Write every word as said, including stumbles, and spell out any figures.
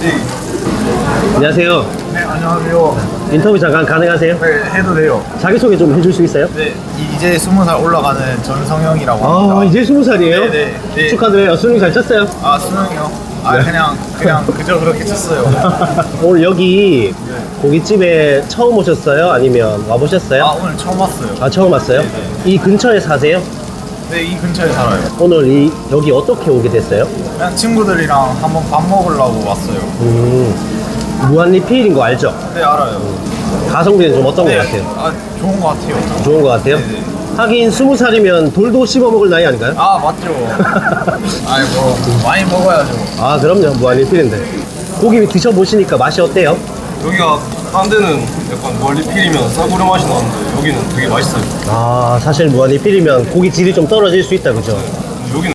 네. 안녕하세요. 네, 안녕하세요. 인터뷰 잠깐 가능하세요? 네, 해도 돼요. 자기소개 좀 해줄 수 있어요? 네, 이제 스무 살 올라가는 전성형이라고 합니다. 아, 이제 스무 살이에요? 네, 네, 네. 축하드려요. 수능 잘 쳤어요? 아, 수능이요? 아, 네. 그냥, 그냥 그저 그렇게 쳤어요. 오늘 여기 고깃집에 처음 오셨어요? 아니면 와보셨어요? 아, 오늘 처음 왔어요. 아, 처음 왔어요? 네, 이 근처에 사세요? 네, 이 근처에 살아요. 오늘 이 여기 어떻게 오게 됐어요? 그냥 친구들이랑 한번 밥 먹으려고 왔어요. 음, 무한리필인 거 알죠? 네, 알아요. 가성비는 좀 어떤 네, 것 같아요? 아, 좋은 것 같아요. 좋은 것 같아요? 네, 네. 하긴 스무 살이면 돌도 씹어 먹을 나이 아닌가요? 아, 맞죠. 아이고, 많이 먹어야죠. 아, 그럼요. 무한리필인데. 고기 드셔보시니까 맛이 어때요? 여기가 딴 데는 약간 멀리필이면 싸구려 맛이 나는데 여기는 되게 맛있어요. 아, 사실 무한리필이면 고기 질이 좀 떨어질 수 있다, 그죠? 여기는